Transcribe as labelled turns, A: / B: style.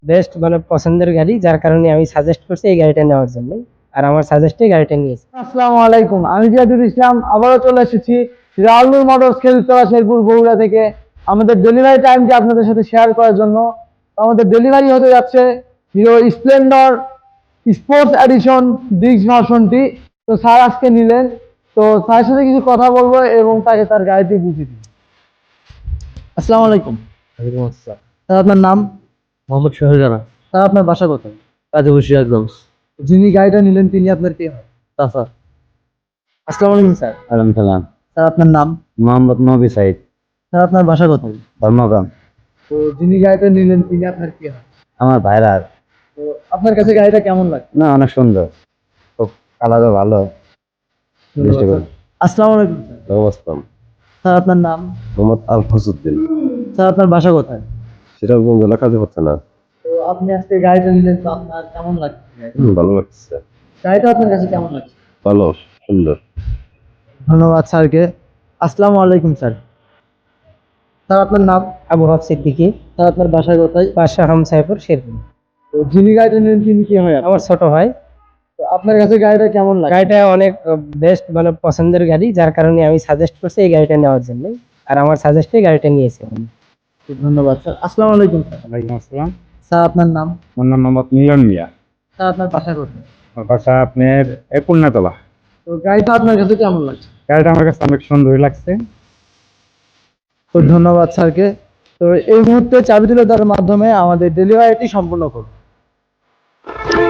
A: Best মানে পছন্দের গাড়ি, যার কারণে আমি সাজেস্ট করছি এই গাড়িটা নেওয়ার জন্য। আর আমার সাজেস্টে গাড়িটা নিয়েছি।
B: আসসালামু আলাইকুম, আমি জিয়াদুল ইসলাম আবারও চলে এসেছি রাহুল মোটরস খেলতলা শেরপুর বগুড়া থেকে আমাদের ডেলিভারি টাইমটি আপনাদের সাথে শেয়ার করার জন্য। তো আমাদের ডেলিভারি হতে যাচ্ছে হিরো স্প্লেন্ডর স্পোর্টস এডিশন ডিক্স ভার্সনটি। তো স্যার আজকে নিলেন, তো স্যারের সাথে কিছু কথা বলবো এবং তাকে তার গাড়িটি বুঝিয়ে দিই। আসসালামু আলাইকুম
C: ওয়ালাইকুম আসসালাম।
B: স্যার, আপনার নাম?
C: মোহাম্মদ সোহেল রানা।
B: স্যার, আপনার বাসা কোথায়?
C: গাজীপুর সিরাজগঞ্জ।
B: যিনি গাড়িটা নিলেন তিনি আপনার কে হয়?
C: চাচা।
B: আসসালামু আলাইকুম স্যার।
C: আলহামদুলিল্লাহ।
B: স্যার, আপনার নাম?
C: মোহাম্মদ নবী সাইদ।
B: স্যার, আপনার বাসা কোথায়?
C: ধর্মগ্রাম।
B: তো যিনি গাড়িটা নিলেন তিনি আপনার কে হয়?
C: আমার ভাইরা।
B: তো আপনার কাছে গাড়িটা কেমন লাগে?
C: না, অনেক সুন্দর, খুব কালারও ভালো।
B: আসসালামু আলাইকুম স্যার।
C: অবস্থা।
B: স্যার, আপনার নাম?
C: মোহাম্মদ আল ফসুদ্দিন।
B: স্যার, আপনার বাসা কোথায়?
C: সিরাজগঞ্জ জেলা কাজে হচ্ছে না।
B: তো আপনি আজকে গাড়িটা নিলেন, তো আপনার কেমন লাগছে?
C: ভালো লাগছে।
B: গাড়িটা আপনার কাছে কেমন লাগছে?
C: ভালো, সুন্দর।
B: ধন্যবাদ স্যারকে। আসসালামু আলাইকুম স্যার। স্যার, আপনার নাম?
A: আবু হাফ সিদ্দিকী।
B: স্যার, আপনার বাসা কোথায়?
A: বাদশাহ হামসাইপুর শেরপুর।
B: তো যিনি গাড়িটা নিলেন তিনি কে হয় আপনার?
A: আমার ছোট ভাই।
B: তো আপনার কাছে গাড়িটা কেমন লাগে?
A: গাড়িটা অনেক বেস্ট মানে পছন্দের গাড়ি, যার কারণে আমি সাজেস্ট করছি এই গাড়িটা নেওয়ার জন্য। আর আমার সাজেস্টে গাড়িটা নিয়েছি আমি।
B: ধন্যবাদ স্যার। আসসালামু আলাইকুম স্যার।
C: ওয়ালাইকুম আসসালাম।
B: স্যার, আপনার নাম?
C: আমার নাম মোহাম্মদ মিলন মিয়া।
B: স্যার, আপনার বাসা কোথায়?
C: আমার বাসা আপনার খুলনাতলা।
B: তো গাড়িটা আপনার কাছে কেমন লাগছে?
C: গাড়িটা আমার কাছে অনেক সুন্দরই লাগছে।
B: তো ধন্যবাদ স্যারকে। তো এই মুহূর্তে চাবি তুলে দেওয়ার মাধ্যমে আমাদের ডেলিভারিটি সম্পূর্ণ করব।